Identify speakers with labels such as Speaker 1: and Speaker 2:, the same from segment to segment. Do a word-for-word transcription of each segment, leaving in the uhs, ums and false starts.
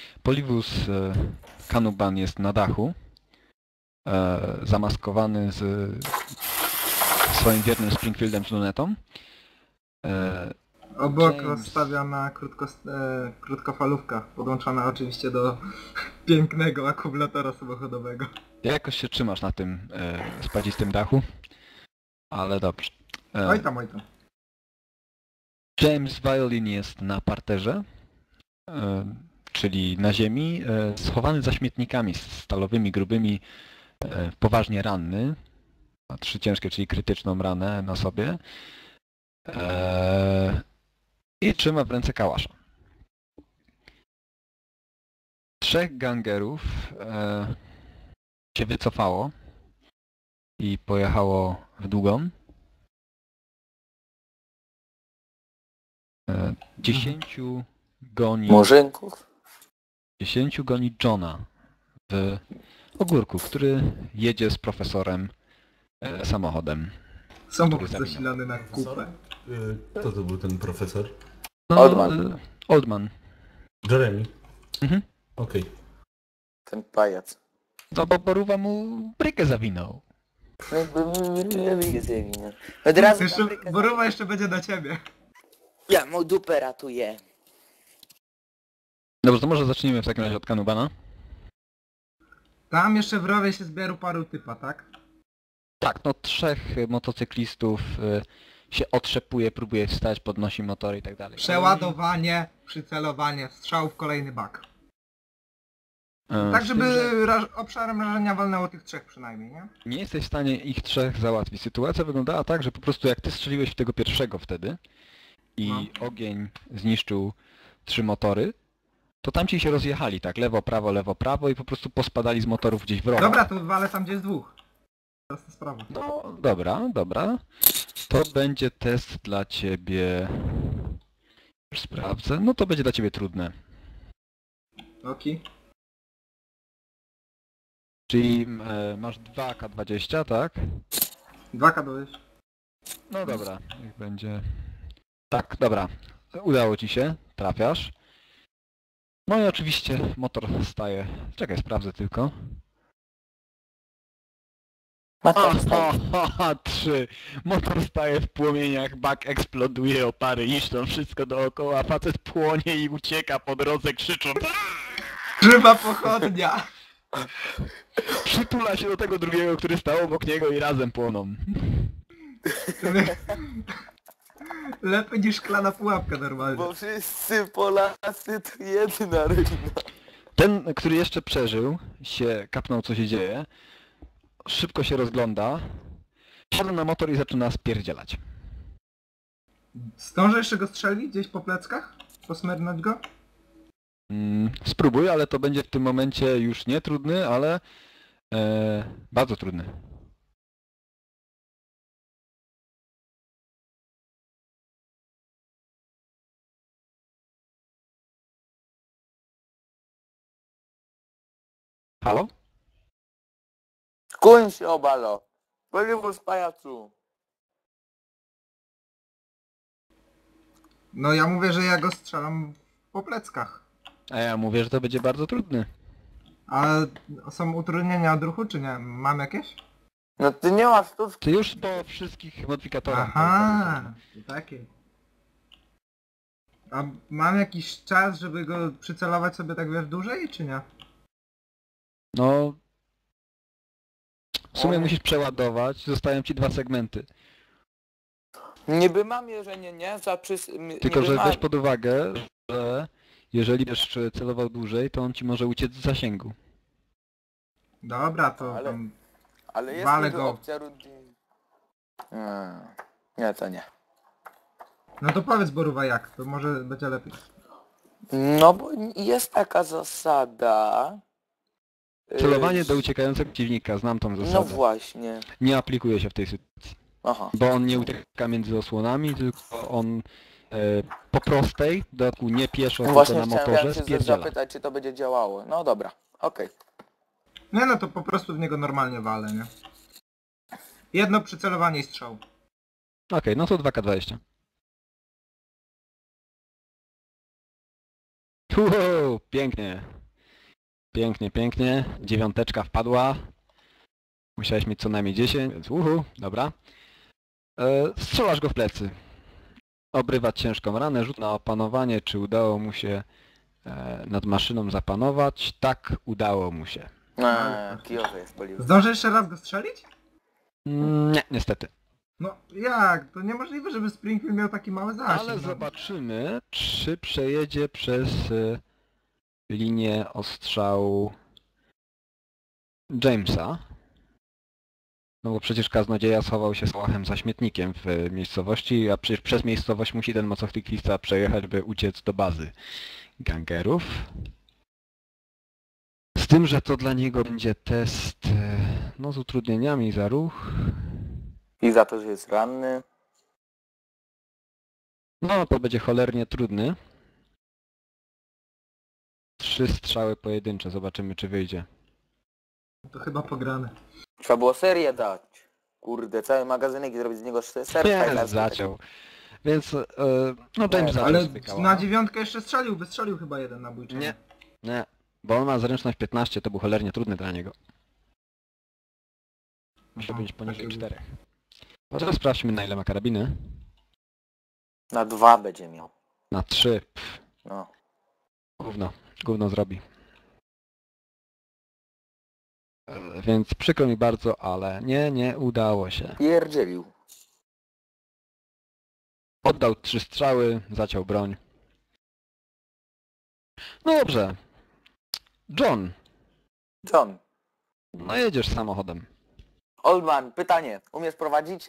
Speaker 1: Polibus e, Kanuban jest na dachu, e, zamaskowany z swoim wiernym Springfieldem z lunetą. E,
Speaker 2: Obok
Speaker 1: James.
Speaker 2: rozstawiona krótko, e, krótkofalówka, podłączona oczywiście do pięknego akumulatora samochodowego.
Speaker 1: jakoś się trzymasz na tym e, spadzistym dachu, ale dobrze. E,
Speaker 2: Oj tam, oj tam.
Speaker 1: James Violin jest na parterze, e, czyli na ziemi, e, schowany za śmietnikami stalowymi, grubymi, e, poważnie ranny. Ma trzy ciężkie, czyli krytyczną ranę na sobie. E, I trzyma w ręce kałasza. Trzech gangerów e, się wycofało i pojechało w długą. E, dziesięciu goni...
Speaker 3: Murzynków?
Speaker 1: Dziesięciu goni Johna w ogórku, który jedzie z profesorem e, samochodem.
Speaker 2: Samochód
Speaker 1: zawinął.
Speaker 2: zasilany na kupę.
Speaker 4: Y, Kto to był ten profesor?
Speaker 1: No,
Speaker 3: Oldman.
Speaker 1: e, Oldman.
Speaker 4: Jeremy.
Speaker 1: Mhm.
Speaker 4: Okej.
Speaker 3: Ten pajac.
Speaker 1: No bo Boruwa mu brykę zawinął.
Speaker 3: Od razu
Speaker 2: Jeszcze,
Speaker 3: fabrykę
Speaker 2: Boruwa jeszcze będzie na ciebie.
Speaker 3: Ja mu dupę ratuję.
Speaker 1: Dobrze, to może zacznijmy w takim razie od Kanubana.
Speaker 2: Tam jeszcze w rowie się zbieru paru typa, tak?
Speaker 1: Tak, no trzech motocyklistów e, się otrzepuje, próbuje wstać, podnosi motory i tak dalej.
Speaker 2: Przeładowanie, przycelowanie, strzał w kolejny bak.
Speaker 1: E,
Speaker 2: Tak,
Speaker 1: z
Speaker 2: żeby
Speaker 1: tym, że
Speaker 2: raż, obszarem rażenia walnęło tych trzech przynajmniej, nie?
Speaker 1: nie jesteś w stanie ich trzech załatwić. Sytuacja wyglądała tak, że po prostu jak ty strzeliłeś w tego pierwszego wtedy i
Speaker 2: No.
Speaker 1: ogień zniszczył trzy motory, to tamci się rozjechali, tak, lewo, prawo, lewo, prawo i po prostu pospadali z motorów gdzieś w rogu.
Speaker 2: Dobra, to walę tam, gdzie jest dwóch. Prosta sprawa.
Speaker 1: No, dobra, dobra. To będzie test dla ciebie... Już sprawdzę. No to będzie dla ciebie trudne.
Speaker 2: Oki.
Speaker 1: Czyli e, masz dwa K dwadzieścia, tak?
Speaker 2: dwa K dodać.
Speaker 1: No dobra, niech będzie... Tak, dobra. Udało ci się, trafiasz. No i oczywiście motor staje... Czekaj, sprawdzę tylko.
Speaker 3: Matka wstaje.
Speaker 1: Haha, trzy. Motor staje w płomieniach, bak eksploduje, opary niszczą wszystko dookoła, facet płonie i ucieka po drodze krzycząc.
Speaker 2: Żywa pochodnia!
Speaker 1: Przytula się do tego drugiego, który stał obok niego i razem płoną.
Speaker 2: Lepiej niż szklana pułapka normalnie.
Speaker 3: Bo wszyscy Polacy to jedna rodzina.
Speaker 1: Ten, który jeszcze przeżył, się kapnął co się dzieje, szybko się rozgląda, siada na motor i zaczyna spierdzielać.
Speaker 2: Zdążę jeszcze go strzelić gdzieś po pleckach? Posmernąć go?
Speaker 1: Mm, spróbuj, ale to będzie w tym momencie już nie trudny, ale e, bardzo trudny. Halo?
Speaker 3: Kuń się obalo. Polibus pajacu.
Speaker 2: No ja mówię, że ja go strzelam po pleckach.
Speaker 1: A ja mówię, że to będzie bardzo trudny.
Speaker 2: A są utrudnienia odruchu, czy nie? Mam jakieś?
Speaker 3: No ty nie masz tu...
Speaker 1: Ty już po wszystkich modyfikatorach.
Speaker 2: Aha, to takie. A mam jakiś czas, żeby go przycelować sobie tak wiesz dłużej, czy nie?
Speaker 1: No... W sumie
Speaker 3: O.
Speaker 1: musisz przeładować, zostają ci dwa segmenty.
Speaker 3: Niby mam mierzenie, nie? Za przys... m-
Speaker 1: Tylko,
Speaker 3: niby
Speaker 1: że
Speaker 3: mam.
Speaker 1: weź pod uwagę, że jeżeli będziesz celował dłużej, to on ci może uciec z zasięgu.
Speaker 2: Dobra, to
Speaker 3: Ale-
Speaker 2: tam...
Speaker 3: Ale jest
Speaker 2: Walę
Speaker 3: niby
Speaker 2: go.
Speaker 3: opcja rundy. Hmm. Nie, to nie.
Speaker 2: No to powiedz Boruwa jak, to może będzie lepiej.
Speaker 3: No bo jest taka zasada...
Speaker 1: Celowanie
Speaker 3: Yy,
Speaker 1: do uciekającego przeciwnika, znam tą zasadę.
Speaker 3: No właśnie.
Speaker 1: Nie aplikuje się w tej sytuacji.
Speaker 3: Aha.
Speaker 1: Bo on nie ucieka między osłonami, tylko on e, po prostej, w dodatku nie pieszo, tylko
Speaker 3: Właśnie
Speaker 1: na
Speaker 3: chciałem
Speaker 1: motorze,
Speaker 3: ja się
Speaker 1: spierdziela.
Speaker 3: zapytać, czy to będzie działało. No dobra, okej.
Speaker 2: Nie no to po prostu w niego normalnie walę, nie? Jedno przycelowanie i strzał.
Speaker 1: Okej, no to dwa K dwadzieścia. Wow, pięknie. Pięknie, pięknie. Dziewiąteczka wpadła. Musiałeś mieć co najmniej dziesięć, więc uhu, dobra. E, strzelasz go w plecy. Obrywa ciężką ranę, rzut na opanowanie, czy udało mu się e, nad maszyną zapanować. Tak, udało mu się.
Speaker 3: Eee, kijowy jest polił.
Speaker 2: Zdążę jeszcze raz go strzelić?
Speaker 1: Mm, nie, niestety.
Speaker 2: No jak? To niemożliwe, żeby Springfield miał taki mały zasięg.
Speaker 1: Ale
Speaker 2: no.
Speaker 1: zobaczymy, czy przejedzie przez e, linię ostrzału Jamesa. No bo przecież kaznodzieja schował się z łachem za śmietnikiem w e, miejscowości, a przecież przez miejscowość musi ten motocyklista przejechać, by uciec do bazy gangerów. Z tym, że to dla niego będzie test e, no, z utrudnieniami za ruch.
Speaker 3: I za to, że jest ranny.
Speaker 1: No to będzie cholernie trudny. Trzy strzały pojedyncze, zobaczymy czy wyjdzie.
Speaker 2: To chyba pograne.
Speaker 3: Trzeba było serię dać. Kurde, cały magazynek i zrobić z niego ser
Speaker 1: Nie,
Speaker 3: fajlarski.
Speaker 1: zaciął. Więc, e, no James
Speaker 3: Nie,
Speaker 1: zaczął
Speaker 2: Ale
Speaker 1: sobie kawał.
Speaker 2: na dziewiątkę jeszcze strzelił, wystrzelił chyba jeden nabójczy.
Speaker 1: Nie, nie, bo on ma zręczność piętnaście, to był cholernie trudny dla niego. Musiał być poniżej
Speaker 2: taki-
Speaker 1: czterech. A teraz sprawdźmy na ile ma karabiny.
Speaker 3: Na dwa będzie miał.
Speaker 1: Na trzy. Pff,
Speaker 3: No.
Speaker 1: gówno, gówno zrobi. E, Więc przykro mi bardzo, ale nie, nie udało się.
Speaker 3: Pierdzielił.
Speaker 1: Oddał trzy strzały, zaciął broń. No dobrze. John,
Speaker 3: John.
Speaker 1: no jedziesz samochodem.
Speaker 3: Oldman, pytanie. Umiesz prowadzić?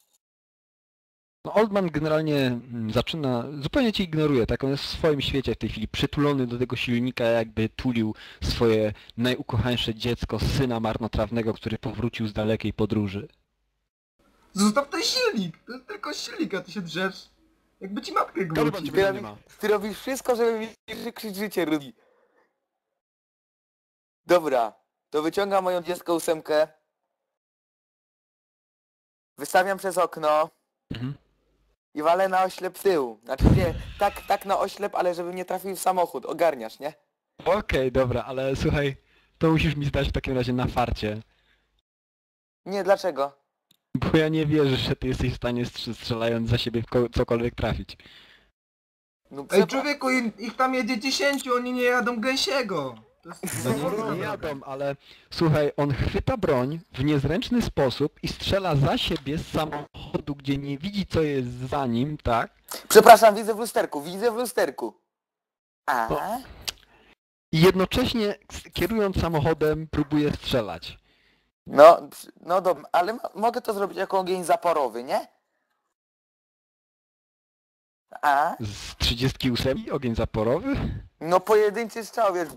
Speaker 1: No Oldman generalnie mm, zaczyna, zupełnie cię ignoruje, tak on jest w swoim świecie w tej chwili, przytulony do tego silnika, jakby tulił swoje najukochańsze dziecko, syna marnotrawnego, który powrócił z dalekiej podróży.
Speaker 2: Zostaw ten silnik! To jest tylko silnik, a ty się drzesz. Jakby ci matkę
Speaker 1: Kaliban
Speaker 2: gwałcił.
Speaker 1: ciebie
Speaker 3: Ty,
Speaker 1: nie
Speaker 3: robi,
Speaker 1: ma.
Speaker 3: ty robisz wszystko, żeby mi życzyć życie, Rudy. Dobra, to wyciągam moją dziecko ósemkę. Wystawiam przez okno
Speaker 1: Mhm.
Speaker 3: i walę na oślep tył. Znaczy nie, tak, tak na oślep, ale żeby nie trafił w samochód. Ogarniasz, nie?
Speaker 1: Okej, dobra, ale słuchaj, to musisz mi zdać w takim razie na farcie.
Speaker 3: Nie, dlaczego?
Speaker 1: Bo ja nie wierzę, że ty jesteś w stanie strz- strzelając za siebie w ko- cokolwiek trafić.
Speaker 3: No,
Speaker 2: Ej
Speaker 3: przepra-
Speaker 2: człowieku, ich, ich tam jedzie dziesięciu, oni nie jadą gęsiego. To jest
Speaker 1: No
Speaker 2: niemożliwe.
Speaker 1: nie jadą, ale słuchaj, on chwyta broń w niezręczny sposób i strzela za siebie z samochodu, gdzie nie widzi co jest za nim, tak?
Speaker 3: Przepraszam, widzę w lusterku, widzę w lusterku. A?
Speaker 1: No. I jednocześnie s- kierując samochodem próbuje strzelać.
Speaker 3: No, przy- no dobra, ale mo- mogę to zrobić jako ogień zaporowy, nie? A?
Speaker 1: Z trzydziestki ósem ogień zaporowy?
Speaker 3: No pojedynczy strzał, wiesz.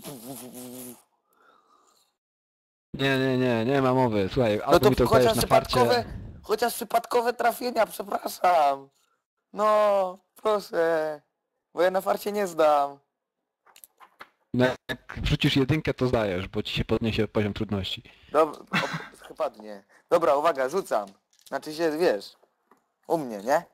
Speaker 1: Nie, nie, nie, nie ma mowy. Słuchaj,
Speaker 3: No
Speaker 1: albo
Speaker 3: to
Speaker 1: mi to
Speaker 3: chociaż
Speaker 1: dajesz na
Speaker 3: przypadkowe,
Speaker 1: farcie.
Speaker 3: chociaż przypadkowe trafienia, przepraszam. No, proszę. Bo ja na farcie nie zdam.
Speaker 1: No, jak wrzucisz jedynkę, to zdajesz, bo ci się podniesie poziom trudności.
Speaker 3: Dobra, o, chyba nie. Dobra, uwaga, rzucam. Znaczy się, wiesz, u mnie, nie?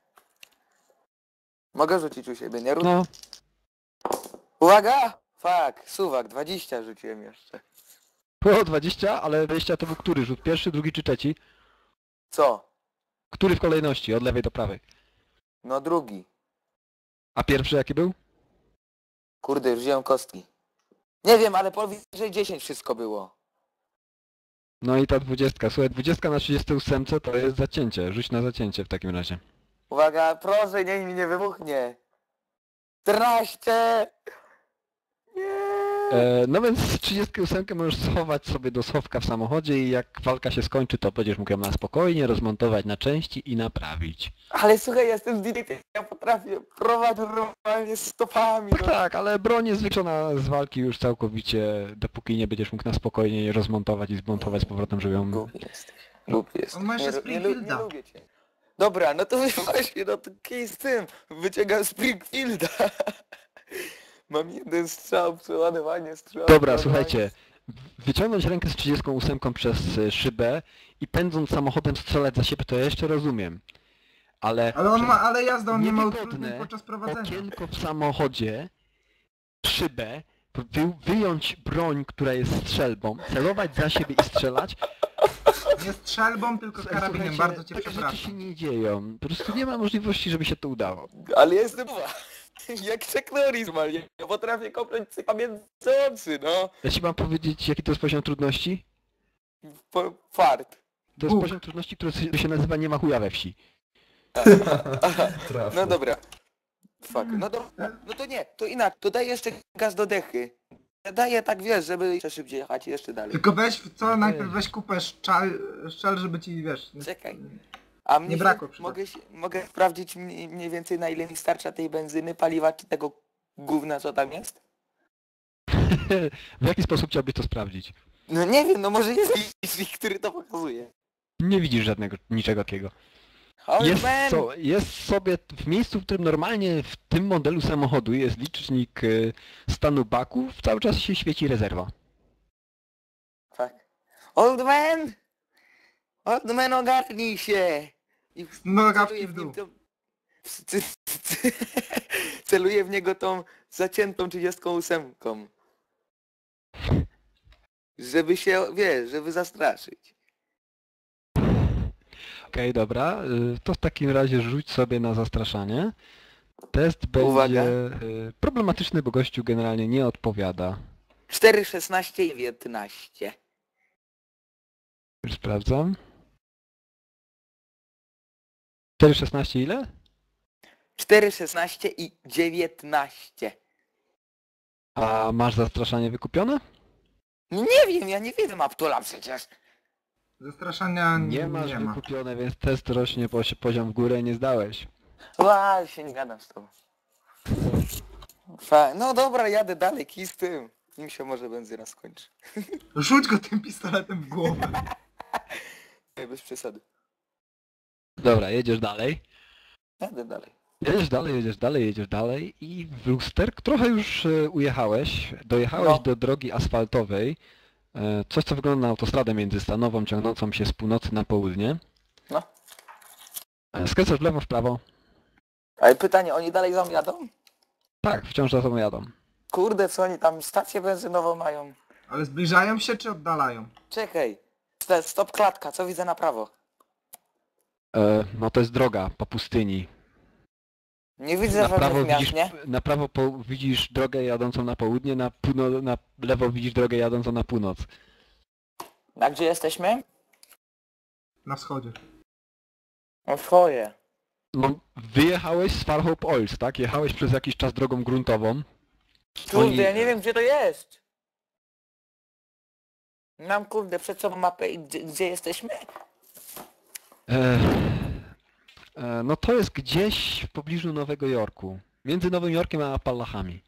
Speaker 3: Mogę rzucić u siebie, nie? Ru-
Speaker 1: No,
Speaker 3: Uwaga! Fuck, suwak, dwadzieścia rzuciłem jeszcze.
Speaker 1: było dwadzieścia, ale dwadzieścia to był który rzut? Pierwszy, drugi czy trzeci?
Speaker 3: Co?
Speaker 1: Który w kolejności, od lewej do prawej?
Speaker 3: No drugi.
Speaker 1: A pierwszy jaki był?
Speaker 3: Kurde, już wziąłem kostki. Nie wiem, ale powyżej dziesięć wszystko było.
Speaker 1: No i ta dwudziestka. Słuchaj, dwudziestka na trzydziestce ósemce to jest zacięcie. Rzuć na zacięcie w takim razie.
Speaker 3: Uwaga, proszę, niech mi nie wybuchnie. czternaście! Nie!
Speaker 1: E, no więc z trzydziestki ósemkę możesz schować sobie do schowka w samochodzie i jak walka się skończy, to będziesz mógł ją na spokojnie rozmontować na części i naprawić.
Speaker 3: Ale słuchaj, jestem z ja potrafię prowadzić normalnie stopami.
Speaker 1: Tak,
Speaker 3: No.
Speaker 1: tak, ale broń jest wykluczona z walki już całkowicie, dopóki nie będziesz mógł na spokojnie je rozmontować i zmontować z powrotem, żeby ją...
Speaker 3: Głupi jesteś. Głupi jesteś.
Speaker 2: On ma jeszcze
Speaker 3: nie, nie, lu- nie
Speaker 2: Springfielda.
Speaker 3: lubię cię. Dobra, no to właśnie, no to kij z tym. Wyciągam Springfielda. Mam jeden strzał, przeładowanie strzał.
Speaker 1: Dobra,
Speaker 3: przeładowanie-
Speaker 1: słuchajcie. Wyciągnąć rękę z trzydziestką ósemką przez y, szybę i pędząc samochodem strzelać za siebie, to ja jeszcze rozumiem. Ale...
Speaker 2: Ale on
Speaker 1: przez
Speaker 2: ma, ale jazda, on nie ma
Speaker 1: niewygodne
Speaker 2: utrudnień podczas prowadzenia.
Speaker 1: okienko w samochodzie szybę, wy, wyjąć broń, która jest strzelbą, celować za siebie i strzelać.
Speaker 2: Nie strzelbą, tylko karabinem,
Speaker 1: Słuchajcie,
Speaker 2: bardzo cię
Speaker 1: takie rzeczy się
Speaker 2: przepraszam.
Speaker 1: nie dzieją. Po prostu nie ma możliwości, żeby się to udało.
Speaker 3: Ale ja jestem jak Chuck Norris, man. Ja potrafię kopnąć cyka między oczy, no.
Speaker 1: Ja ci mam powiedzieć, jaki to jest poziom trudności?
Speaker 3: Po, fart.
Speaker 1: To jest
Speaker 2: Bóg.
Speaker 1: poziom trudności, który się się nazywa nie ma chuja we wsi.
Speaker 4: Trafne.
Speaker 3: No dobra. Fuck. No dobra. No to nie, to inaczej. To daj jeszcze gaz do dechy. Daję tak, wiesz, żeby jeszcze szybciej jechać i jeszcze dalej.
Speaker 2: Tylko weź, co, najpierw weź kupę szczal, szczel, żeby ci, wiesz...
Speaker 3: Czekaj. A mnie
Speaker 2: Nie
Speaker 3: się-
Speaker 2: brakło przypadku.
Speaker 3: mogę, się, mogę sprawdzić mniej, mniej więcej na ile mi starcza tej benzyny, paliwa czy tego gówna co tam jest?
Speaker 1: W jaki sposób chciałbyś to sprawdzić?
Speaker 3: No nie wiem, no może jest licznik, który to pokazuje.
Speaker 1: Nie widzisz żadnego, niczego takiego.
Speaker 3: Old
Speaker 1: Jest,
Speaker 3: man!
Speaker 1: so, jest sobie w miejscu, w którym normalnie w tym modelu samochodu jest licznik y, stanu baków, cały czas się świeci rezerwa.
Speaker 3: Fuck. Old man! Old man, ogarnij się! I
Speaker 2: Nogawki
Speaker 3: celuję
Speaker 2: w
Speaker 3: w nim
Speaker 2: dół.
Speaker 3: tą... c- c- Celuję w niego tą zaciętą trzydziestką ósemką. Żeby się, wiesz, żeby zastraszyć.
Speaker 1: Okej, dobra, y, to w takim razie rzuć sobie na zastraszanie. Test
Speaker 3: Uwaga.
Speaker 1: będzie y, problematyczny, bo gościu generalnie nie odpowiada.
Speaker 3: cztery, szesnaście i dziewiętnaście.
Speaker 1: Już sprawdzam. cztery szesnaście ile?
Speaker 3: cztery, szesnaście i dziewiętnaście.
Speaker 1: A masz zastraszanie wykupione?
Speaker 3: Nie wiem, ja nie widzę Maptula przecież.
Speaker 2: Zastraszania
Speaker 1: Nie masz
Speaker 2: nie ma.
Speaker 1: wykupione, więc test rośnie posi- poziom w górę, nie zdałeś.
Speaker 3: Ła, się nie gadam z tobą. Fa no dobra, jadę dalej, kij z tym. Nim się może benzyna skończy.
Speaker 2: Rzuć go tym pistoletem w głowę.
Speaker 3: Nie, bez przesady.
Speaker 1: Dobra, jedziesz dalej.
Speaker 3: Jadę dalej.
Speaker 1: Jedziesz dalej, jedziesz dalej, jedziesz dalej i w lusterk trochę już e, ujechałeś, dojechałeś
Speaker 3: No.
Speaker 1: do drogi asfaltowej, e, coś co wygląda na autostradę międzystanową ciągnącą się z północy na południe.
Speaker 3: No.
Speaker 1: E, Skręcasz w lewo, w prawo.
Speaker 3: Ale pytanie, oni dalej za mną jadą?
Speaker 1: Tak, wciąż za tobą jadą.
Speaker 3: Kurde, co oni tam stację benzynową mają?
Speaker 2: Ale zbliżają się czy oddalają?
Speaker 3: Czekaj. St- Stop klatka, co widzę na prawo?
Speaker 1: E, no to jest droga po pustyni.
Speaker 3: Nie widzę
Speaker 1: Na prawo
Speaker 3: żadnych miast,
Speaker 1: widzisz,
Speaker 3: nie?
Speaker 1: na prawo po, widzisz drogę jadącą na południe, na, półno, na lewo widzisz drogę jadącą na północ.
Speaker 3: A gdzie jesteśmy?
Speaker 2: Na wschodzie.
Speaker 3: No swoje.
Speaker 1: No, wyjechałeś z Farhope Oils, tak? Jechałeś przez jakiś czas drogą gruntową.
Speaker 3: Kurde,
Speaker 1: Oni-
Speaker 3: ja nie wiem gdzie to jest. Mam kurde przed sobą mapę i gdzie, gdzie jesteśmy?
Speaker 1: E, e, no to jest gdzieś w pobliżu Nowego Jorku. Między Nowym Jorkiem a Appalachami.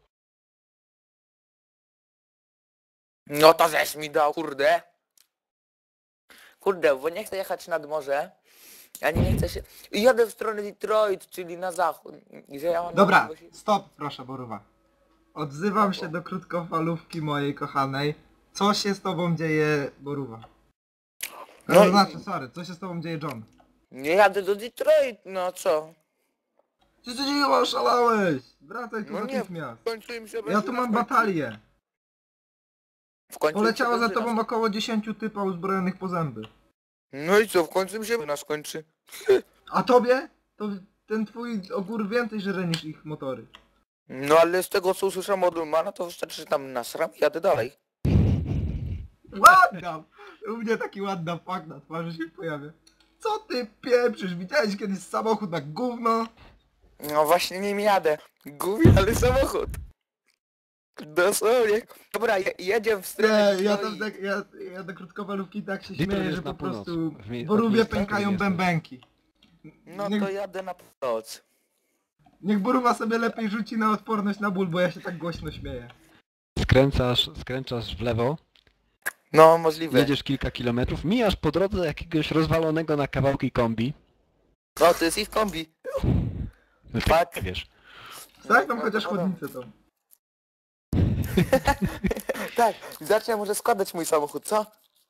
Speaker 3: No to żeś mi dał, kurde. Kurde, bo nie chcę jechać nad morze. Ani nie chcę się... Jadę w stronę Detroit, czyli na zachód. Gdzie ja mam
Speaker 2: Dobra,
Speaker 3: możliwość-
Speaker 2: stop, proszę Boruwa. Odzywam się do krótkofalówki mojej kochanej. Co się z tobą dzieje, Boruwa?
Speaker 3: No
Speaker 2: No
Speaker 3: i-
Speaker 2: znaczy, sorry, co się z tobą dzieje, John?
Speaker 3: Nie jadę do Detroit, no co?
Speaker 2: Co się dzieje, oszalałeś? Wracaj tu
Speaker 3: No nie,
Speaker 2: natychmiast.
Speaker 3: W końcu im się
Speaker 2: Ja
Speaker 3: benzyna
Speaker 2: tu mam
Speaker 3: skończy.
Speaker 2: batalię.
Speaker 3: W końcu im się
Speaker 2: Poleciało za
Speaker 3: benzyna
Speaker 2: tobą około dziesięciu typa uzbrojonych po zęby.
Speaker 3: No i co, w końcu mi się benzyna skończy.
Speaker 2: A tobie? To ten twój ogór więcej żre niż ich motory.
Speaker 3: No ale z tego co usłyszałem od Ulmana, to wystarczy, że tam nasram i jadę dalej.
Speaker 2: Ładna! U mnie taki ładna fuck na twarzy się pojawia. Co ty pieprzysz? Widziałeś kiedyś samochód na gówno?
Speaker 3: No właśnie nim jadę. Gubi, ale samochód. Dosłownie. Dobra, je, jedzie w stronę
Speaker 2: Nie, ja
Speaker 3: Detroit.
Speaker 2: tam tak, ja, ja do krótkofalówki tak się
Speaker 1: Detroit
Speaker 2: śmieję,
Speaker 1: jest
Speaker 2: że
Speaker 1: na
Speaker 2: po
Speaker 1: północ.
Speaker 2: prostu
Speaker 1: W mie-
Speaker 2: w
Speaker 1: od
Speaker 2: Borówie
Speaker 1: miejsca, w
Speaker 2: pękają
Speaker 1: którym jesteś.
Speaker 2: bębenki.
Speaker 3: No
Speaker 2: Niech,
Speaker 3: to jadę na północ.
Speaker 2: niech Borówa sobie lepiej rzuci na odporność na ból, bo ja się tak głośno śmieję.
Speaker 1: Skręcasz, skręcasz w lewo,
Speaker 3: No możliwe.
Speaker 1: jedziesz kilka kilometrów, mijasz po drodze jakiegoś rozwalonego na kawałki kombi.
Speaker 3: No to jest ich kombi.
Speaker 1: No ty
Speaker 3: Tak.
Speaker 1: nie wiesz.
Speaker 2: Tak, tam
Speaker 3: No,
Speaker 2: chociaż
Speaker 3: no,
Speaker 2: chodnicę tą.
Speaker 3: Tak, zacznę może składać mój samochód, co?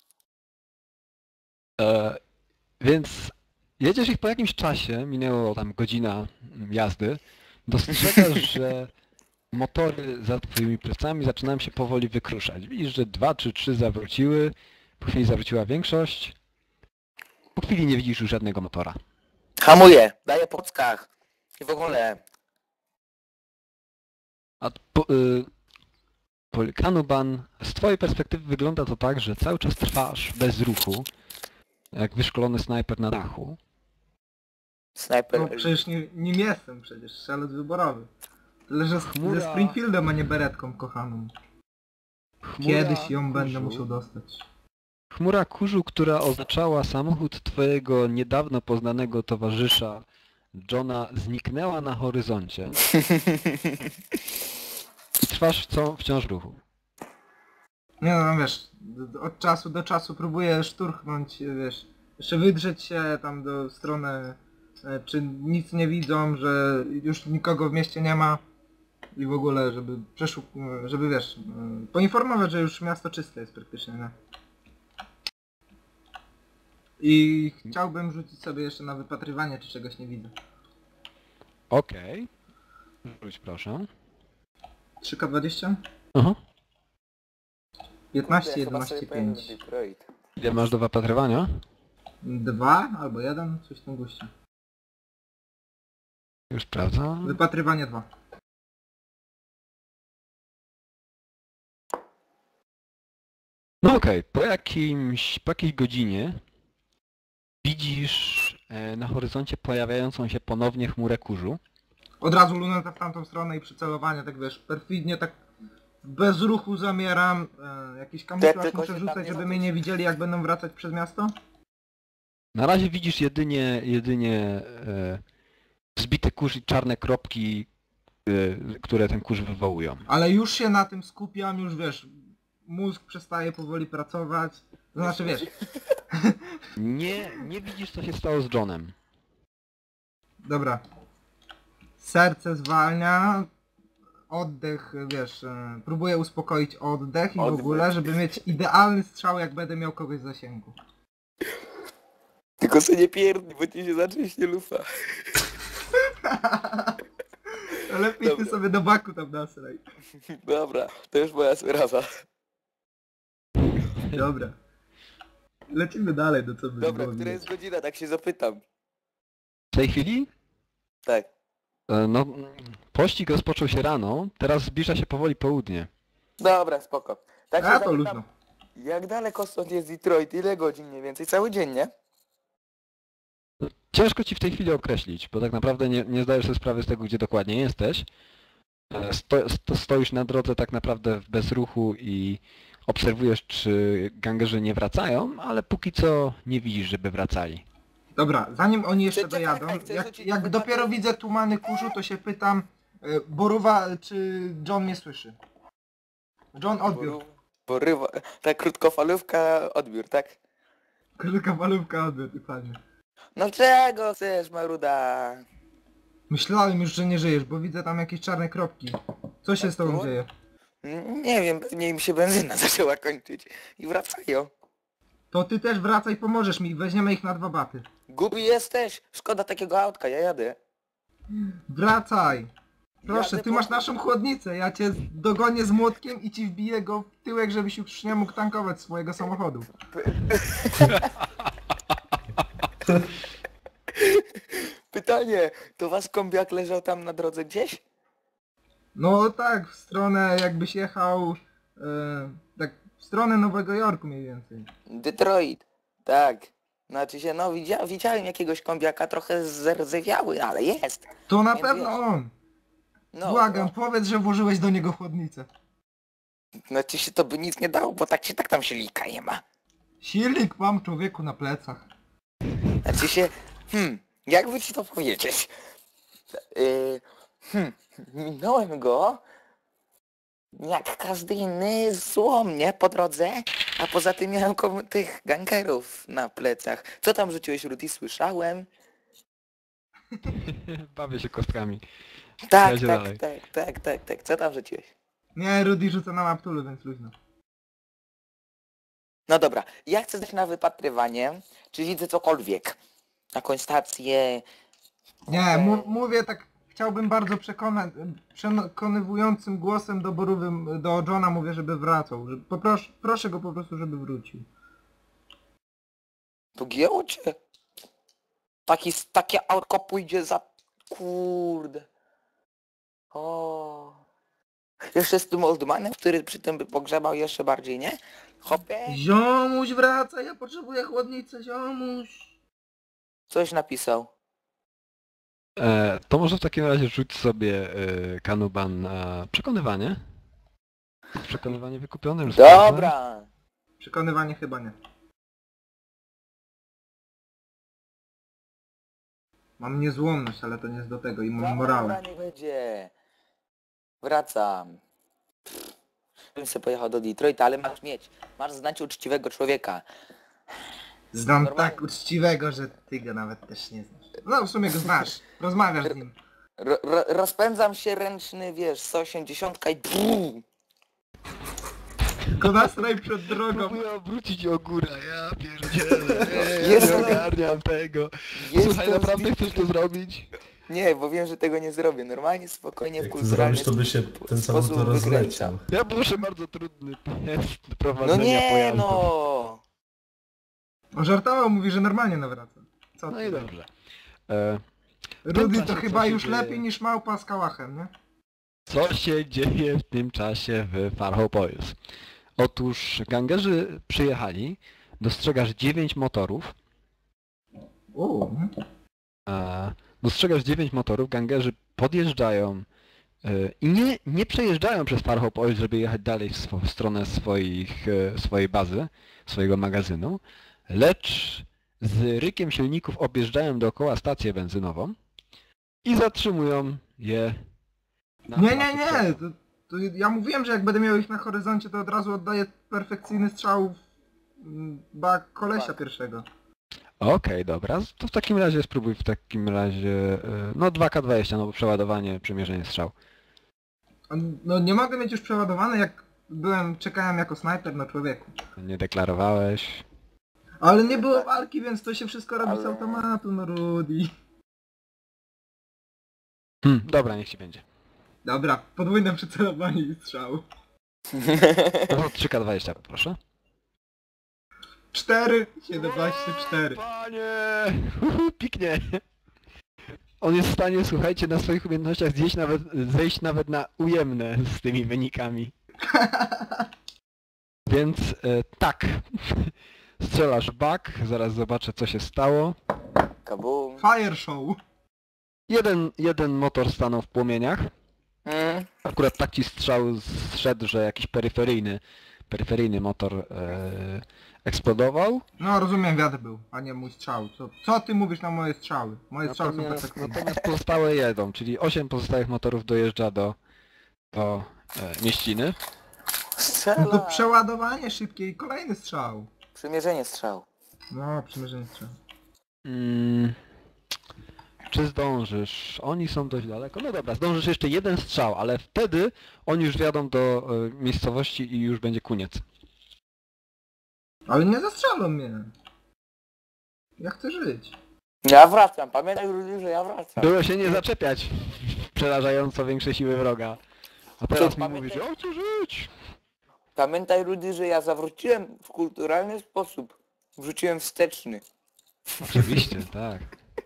Speaker 1: E, więc jedziesz ich po jakimś czasie, minęło tam godzina jazdy, dostrzegasz, że motory za twoimi plecami zaczynają się powoli wykruszać. Widzisz, że dwa czy trzy zawróciły, po chwili zawróciła większość. Po chwili nie widzisz już żadnego motora.
Speaker 3: Hamuję, daję po ckach. I w ogóle.
Speaker 1: A po, y, po, Kanuban, z twojej perspektywy wygląda to tak, że cały czas trwasz bez ruchu, jak wyszkolony snajper na dachu.
Speaker 3: Snajper.
Speaker 2: No przecież nie, nim jestem przecież, strzelec wyborowy. Tyle, że z,
Speaker 1: Chmura.
Speaker 2: ze Springfieldem, a nie beretką kochaną.
Speaker 1: Chmura
Speaker 2: Kiedyś ją będę
Speaker 1: kurzu.
Speaker 2: musiał dostać.
Speaker 1: Chmura kurzu, która oznaczała samochód twojego niedawno poznanego towarzysza Johna, zniknęła na horyzoncie. I trwasz co, wciąż w ruchu.
Speaker 2: Nie no, no wiesz, d- od czasu do czasu próbuję szturchnąć, wiesz, jeszcze wydrzeć się tam do strony, e, czy nic nie widzą, że już nikogo w mieście nie ma i w ogóle, żeby przeszuk... e, żeby wiesz, e, poinformować, że już miasto czyste jest praktycznie, nie? I chciałbym rzucić sobie jeszcze na wypatrywanie, czy czegoś nie widzę.
Speaker 1: Okej. Rzuć proszę.
Speaker 2: trzy K dwadzieścia?
Speaker 1: Aha.
Speaker 2: piętnaście,
Speaker 3: Kurde, chyba
Speaker 2: jedenaście,
Speaker 3: sobie pojadę
Speaker 2: pięć.
Speaker 3: do Detroit.
Speaker 1: Ile masz do wypatrywania?
Speaker 2: dwa albo jeden, coś w tym guście.
Speaker 1: Już sprawdzam.
Speaker 2: Wypatrywanie dwa.
Speaker 1: No okej, po jakimś, po jakiejś godzinie widzisz e, na horyzoncie pojawiającą się ponownie chmurę kurzu.
Speaker 2: Od razu luneta w tamtą stronę i przycelowanie, tak wiesz, perfidnie, tak bez ruchu zamieram, e, jakiś kamuflaż
Speaker 3: tylko
Speaker 2: muszę
Speaker 3: się tam
Speaker 2: rzucać,
Speaker 3: nie
Speaker 2: żeby mnie
Speaker 3: zapuść.
Speaker 2: nie widzieli, jak będą wracać przez miasto?
Speaker 1: Na razie widzisz jedynie, jedynie e, zbity kurz i czarne kropki, e, które ten kurz wywołują.
Speaker 2: Ale już się na tym skupiam, już wiesz, mózg przestaje powoli pracować, to znaczy wiesz,
Speaker 1: Nie, nie widzisz co się stało z Johnem.
Speaker 2: dobra, serce zwalnia, oddech, wiesz, e, próbuję uspokoić oddech i w
Speaker 3: Oddech.
Speaker 2: ogóle, żeby mieć idealny strzał, jak będę miał kogoś w zasięgu.
Speaker 3: Tylko sobie nie pierdni, bo ci się zacznie lufa.
Speaker 2: Lepiej ty
Speaker 3: Dobra.
Speaker 2: sobie do baku tam nasraj.
Speaker 3: Dobra, to już moja sprawa.
Speaker 2: Dobra. Lecimy dalej, do co by
Speaker 3: Dobra,
Speaker 2: było
Speaker 3: która
Speaker 2: widać.
Speaker 3: jest godzina, tak się zapytam.
Speaker 1: W tej chwili?
Speaker 3: Tak.
Speaker 1: E, no, pościg rozpoczął się rano, teraz zbliża się powoli południe.
Speaker 3: Dobra, spoko. Tak się
Speaker 2: A to
Speaker 3: zapytam,
Speaker 2: luźno.
Speaker 3: jak daleko stąd jest Detroit? Ile godzin mniej więcej? Cały dzień, nie?
Speaker 1: Ciężko ci w tej chwili określić, bo tak naprawdę nie, nie zdajesz sobie sprawy z tego, gdzie dokładnie jesteś. E, Sto, sto, stoisz na drodze tak naprawdę w bezruchu i obserwujesz, czy gangerzy nie wracają, ale póki co nie widzisz, żeby wracali.
Speaker 2: Dobra, zanim oni jeszcze
Speaker 3: Czekaj,
Speaker 2: dojadą,
Speaker 3: czekaj, chcę
Speaker 2: jak,
Speaker 3: rzucić
Speaker 2: jak
Speaker 3: na
Speaker 2: dopiero
Speaker 3: wypatry-
Speaker 2: widzę tumany kurzu, to się pytam, e, Boruwa, czy John mnie słyszy? John, odbiór.
Speaker 3: Porywa... Ta krótkofalówka, odbiór, tak?
Speaker 2: Krótka malówka, odbiór, dokładnie.
Speaker 3: No czego chcesz, Maruda?
Speaker 2: Myślałem już, że nie żyjesz, bo widzę tam jakieś czarne kropki. Co się z tobą
Speaker 3: było?
Speaker 2: dzieje?
Speaker 3: Mm, Nie wiem, pewnie im się benzyna zaczęła kończyć. I wracają.
Speaker 2: To ty też wracaj, pomożesz mi, weźmiemy ich na dwa baty.
Speaker 3: Głupi jesteś? Szkoda takiego autka, ja jadę.
Speaker 2: Wracaj! Proszę,
Speaker 3: Jadę
Speaker 2: ty
Speaker 3: po-
Speaker 2: masz naszą chłodnicę, ja cię dogonię z młotkiem i ci wbiję go w tyłek, żebyś już nie mógł tankować swojego samochodu.
Speaker 3: Pytanie, to wasz kombiak leżał tam na drodze gdzieś?
Speaker 2: No tak, w stronę jakbyś jechał, e, tak w stronę Nowego Jorku mniej więcej.
Speaker 3: Detroit. Tak. Znaczy się, no widzia widziałem jakiegoś kombiaka trochę zerdzewiały, ale jest.
Speaker 2: To na
Speaker 3: Nie
Speaker 2: pewno
Speaker 3: wiesz.
Speaker 2: on!
Speaker 3: No,
Speaker 2: Błagam,
Speaker 3: no,
Speaker 2: powiedz, że włożyłeś do niego chłodnicę.
Speaker 3: znaczy się to by nic nie dało, bo tak się tak tam silnika nie ma.
Speaker 2: Silnik mam, człowieku, na plecach.
Speaker 3: Znaczy się, hmm, jakby ci to powiedzieć? Yy, hmm, minąłem go jak każdy inny złom, nie? Po drodze, a poza tym miałem kom- tych gangerów na plecach. Co tam rzuciłeś, Rudy? Słyszałem.
Speaker 1: Bawię się kostkami.
Speaker 3: Tak,
Speaker 1: Jedzie
Speaker 3: tak,
Speaker 1: dalej.
Speaker 3: tak, tak, tak, tak. Co tam rzuciłeś?
Speaker 2: Nie, Rudy rzuca na maptulu, więc luźno.
Speaker 3: No dobra, ja chcę zdać na wypatrywanie, czy widzę cokolwiek. Jakąś stację.
Speaker 2: Nie, mu mówię tak, chciałem chciałbym bardzo przekona przekonywującym głosem doborowym do Johna mówię, żeby wracał. Że popros proszę go po prostu, żeby wrócił.
Speaker 3: Pogięło cię? Taki, takie autko pójdzie za... Kurde. O. Jeszcze z tym oldmanem, który przy tym by pogrzebał jeszcze bardziej, nie? Hopie.
Speaker 2: Ziomuś wraca, ja potrzebuję chłodnicę, ziomuś.
Speaker 3: Coś napisał.
Speaker 1: E, to może w takim razie rzuć sobie e, Kanuban na przekonywanie. Przekonywanie wykupionym. że sprawdzę.
Speaker 3: Dobra.
Speaker 2: Przekonywanie chyba nie. Mam niezłomność, ale to nie jest do tego i mam
Speaker 3: Dobra,
Speaker 2: morale.
Speaker 3: nie będzie. Wracam. Pff, bym sobie pojechał do Detroita, ale masz mieć. Masz znać uczciwego człowieka.
Speaker 2: Znam
Speaker 3: Normalnie.
Speaker 2: tak uczciwego, że ty go nawet też nie znasz. No w sumie go znasz, rozmawiasz z nim.
Speaker 3: Ro, ro, rozpędzam się ręczny, wiesz, sto osiemdziesiąt i brrr.
Speaker 2: Go nastraj przed drogą.
Speaker 1: Próbuję obrócić ogóra, ja pierdzielę. Nie,
Speaker 3: Jezu.
Speaker 1: nie ogarniam tego.
Speaker 3: Jestem
Speaker 1: Słuchaj, naprawdę
Speaker 3: zbity.
Speaker 1: chcesz to zrobić?
Speaker 3: Nie, bo wiem, że tego nie zrobię. Normalnie, spokojnie, w
Speaker 4: Jak to
Speaker 3: kulturalny
Speaker 4: zrobisz, to by się ten
Speaker 3: sposób
Speaker 4: samochód rozleciał.
Speaker 1: Ja proszę bardzo trudny test
Speaker 3: No
Speaker 1: prowadzenia
Speaker 3: nie,
Speaker 1: pojazdu.
Speaker 3: no.
Speaker 2: On żartował, mówi, że normalnie nawraca. Co
Speaker 1: No
Speaker 2: ty?
Speaker 1: i dobrze. E,
Speaker 2: Rudy
Speaker 1: czasie
Speaker 2: to
Speaker 1: co
Speaker 2: chyba
Speaker 1: się
Speaker 2: już
Speaker 1: dzieje?
Speaker 2: lepiej niż małpa z kałachem, nie?
Speaker 1: co się dzieje w tym czasie w Farhopolis? Otóż gangerzy przyjechali, dostrzegasz dziewięć motorów.
Speaker 2: Uuu.
Speaker 1: E, dostrzegasz dziewięć motorów, gangerzy podjeżdżają e, i nie, nie przejeżdżają przez Farhopolis, żeby jechać dalej w, swo, w stronę swoich, e, swojej bazy, swojego magazynu, lecz z rykiem silników objeżdżają dookoła stację benzynową i zatrzymują je na
Speaker 2: Nie, nie,
Speaker 1: placu
Speaker 2: nie!
Speaker 1: przejazdu.
Speaker 2: To, to ja mówiłem, że jak będę miał ich na horyzoncie, to od razu oddaję perfekcyjny strzał w mm, bak kolesia
Speaker 3: Tak.
Speaker 2: pierwszego.
Speaker 1: Okej, dobra, to w takim razie spróbuj w takim razie, e, no dwa K dwadzieścia, no bo przeładowanie, przymierzenie strzał.
Speaker 2: No nie mogę mieć już przeładowane, jak byłem, czekałem jako snajper na człowieku.
Speaker 1: Nie deklarowałeś.
Speaker 2: Ale nie było walki, więc to się wszystko robi z
Speaker 3: Ale-
Speaker 2: automatu, no Rudy.
Speaker 1: Hm, dobra, niech ci będzie.
Speaker 2: Dobra, podwójne przycelowanie i strzał.
Speaker 1: No trzy K dwadzieścia poproszę.
Speaker 2: cztery, siedemnaście, cztery.
Speaker 1: Panie! Uhu, piknie! On jest w stanie, słuchajcie, na swoich umiejętnościach zjeść nawet, zejść nawet na ujemne z tymi wynikami. Więc e, tak. Strzelasz bak, zaraz zobaczę co się stało.
Speaker 3: Kabum.
Speaker 2: Fire show.
Speaker 1: Jeden, jeden motor stanął w płomieniach.
Speaker 3: Mm.
Speaker 1: Akurat tak ci strzał zszedł, że jakiś peryferyjny, peryferyjny motor e, eksplodował.
Speaker 2: No rozumiem, wiatr był, a nie mój strzał. Co, co ty mówisz na moje strzały? Moje strzały są
Speaker 1: Natomiast,
Speaker 2: perfekcyjne.
Speaker 1: natomiast pozostałe jedą, czyli osiem pozostałych motorów dojeżdża do, do e, mieściny.
Speaker 2: No
Speaker 3: Strzela.
Speaker 2: to przeładowanie szybkie i kolejny strzał.
Speaker 3: Przymierzenie strzał.
Speaker 2: No, przymierzenie strzał.
Speaker 1: Mm, czy zdążysz? Oni są dość daleko. No dobra, zdążysz jeszcze jeden strzał, ale wtedy oni już wjadą do e, miejscowości i już będzie koniec.
Speaker 2: Ale nie zastrzelą mnie. Ja chcę żyć.
Speaker 3: Ja wracam, pamiętaj Rudy, że ja wracam.
Speaker 1: Było się nie zaczepiać przerażająco większe siły wroga. A teraz mi
Speaker 3: pamiętaj-
Speaker 1: mówisz, o co żyć?
Speaker 3: Pamiętaj Rudy, że ja zawróciłem w kulturalny sposób. Wrzuciłem wsteczny.
Speaker 1: Oczywiście, tak.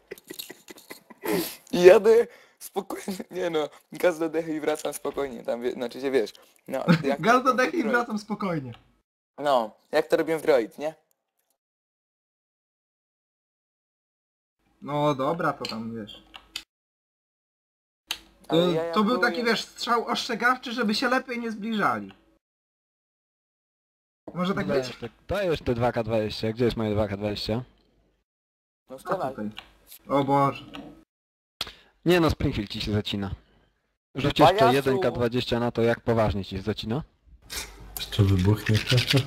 Speaker 3: I jadę spokojnie, nie no, gaz do dechy i wracam spokojnie, tam wie, znaczy się wiesz. No, jak
Speaker 2: Gaz
Speaker 3: to
Speaker 2: do
Speaker 3: robię
Speaker 2: dechy i
Speaker 3: w Droid.
Speaker 2: wracam spokojnie.
Speaker 3: No, jak to robię w Droid, nie?
Speaker 2: No dobra, to tam wiesz. To,
Speaker 3: Ale ja jak
Speaker 2: to był
Speaker 3: byłem-
Speaker 2: taki wiesz, strzał ostrzegawczy, żeby się lepiej nie zbliżali. Może tak być?
Speaker 1: Dajesz te, dajesz te dwa K dwadzieścia. Gdzie jest moje dwa K dwadzieścia?
Speaker 3: No
Speaker 2: A
Speaker 3: strzelaj.
Speaker 2: tutaj. O Boże.
Speaker 1: Nie no, Springfield ci się zacina. Rzuć jeszcze
Speaker 3: Pajacu!
Speaker 1: jeden K dwadzieścia na to, jak poważnie ci się zacina.
Speaker 4: Jeszcze wybuchnie.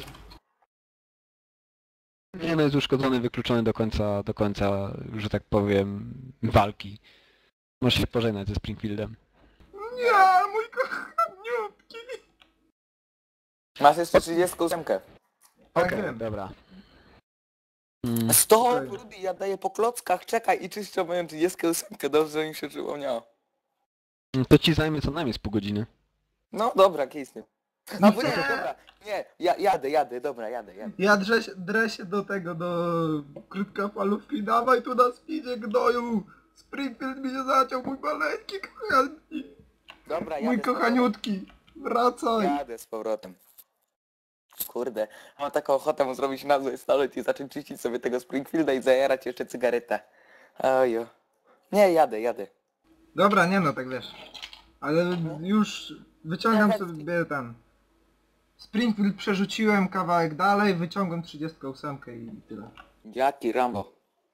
Speaker 1: Nie no, jest uszkodzony, wykluczony do końca, do końca, że tak powiem, walki. Możesz się pożegnać ze Springfieldem.
Speaker 2: Nie, mój kochaniutki.
Speaker 3: Masz jeszcze trzydziestą ósemkę.
Speaker 2: Tak
Speaker 1: Okej,
Speaker 2: wiem.
Speaker 1: dobra. Mm,
Speaker 3: Stop,
Speaker 2: Okej.
Speaker 3: Rudy, ja daję po klockach, czekaj i czyszczę moją trzydziestą ósemkę, dobrze mi się przypomniało.
Speaker 5: No to ci zajmie co najmniej z pół godziny.
Speaker 3: No dobra, kisny. A bo nie, dobra, nie, ja, jadę, jadę, dobra, jadę, jadę.
Speaker 2: Ja drę się, drę się do tego, do krótkofalówki, dawaj tu na speedzie gnoju! Springfield mi się zaciął, mój maleńki kochani!
Speaker 3: Dobra, jadę.
Speaker 2: Mój
Speaker 3: z powrotem.
Speaker 2: kochaniutki! Wracaj!
Speaker 3: Jadę z powrotem. Kurde, mam taką ochotę mu zrobić na złe stolet i zacząć czyścić sobie tego Springfielda i zajarać jeszcze cygaretę. Ojo. Nie, jadę, jadę.
Speaker 2: Dobra, nie no, tak wiesz. Ale już wyciągam sobie ten... Springfield przerzuciłem kawałek dalej, wyciągam trzydziestą ósemkę i tyle.
Speaker 3: Jaki Rambo.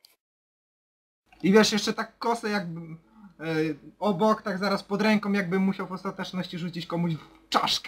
Speaker 2: I wiesz, jeszcze tak kosę jakbym... E, obok, tak zaraz pod ręką, jakbym musiał w ostateczności rzucić komuś w czaszkę.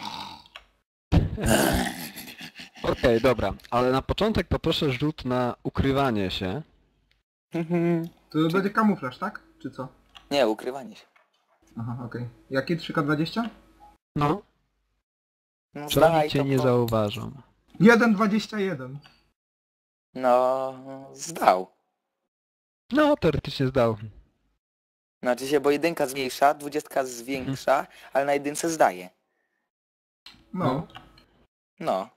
Speaker 5: Okej, dobra, ale na początek poproszę rzut na ukrywanie się.
Speaker 2: To będzie kamuflaż, tak? Czy co?
Speaker 3: Nie, ukrywanie się.
Speaker 2: Aha, okej. Jaki? trzy K dwadzieścia?
Speaker 5: No,
Speaker 3: No,
Speaker 5: przynajmniej
Speaker 3: zdaj
Speaker 5: cię
Speaker 3: to
Speaker 5: nie
Speaker 3: po-
Speaker 5: zauważą.
Speaker 2: jeden dwadzieścia jeden.
Speaker 3: No, zdał.
Speaker 5: No, teoretycznie zdał.
Speaker 3: Znaczy się, bo jedynka zmniejsza, dwudziestka zwiększa, ale na jedynce zdaje.
Speaker 2: No.
Speaker 3: No.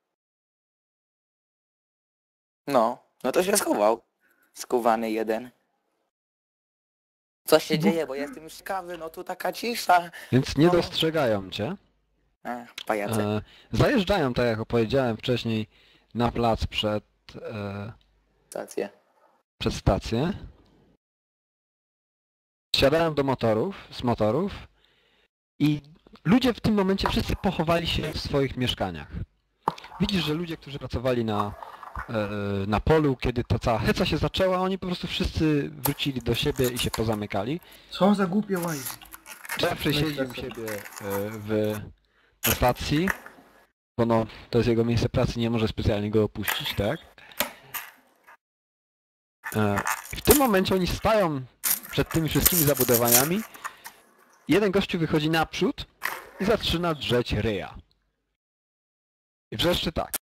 Speaker 3: No, no to się schował. Skowany jeden. Co się dzieje, bo ja jestem już ciekawy, no tu taka cisza.
Speaker 5: Więc nie
Speaker 3: No.
Speaker 5: dostrzegają cię.
Speaker 3: Ech, pajace.
Speaker 5: E, zajeżdżają, tak jak opowiedziałem wcześniej, na plac przed, e,
Speaker 3: Stację.
Speaker 5: przed stację. Siadają do motorów, z motorów i ludzie w tym momencie wszyscy pochowali się w swoich mieszkaniach. Widzisz, że ludzie, którzy pracowali na, e, na polu, kiedy ta cała heca się zaczęła, oni po prostu wszyscy wrócili do siebie i się pozamykali.
Speaker 2: Co za głupie łaj.
Speaker 5: Jeffrey siedzi u siebie e, w, na stacji, bo no, to jest jego miejsce pracy, nie może specjalnie go opuścić, tak? E, w tym momencie oni stają przed tymi wszystkimi zabudowaniami. Jeden gościu wychodzi naprzód i zaczyna drzeć ryja. I wrzeszczy tak.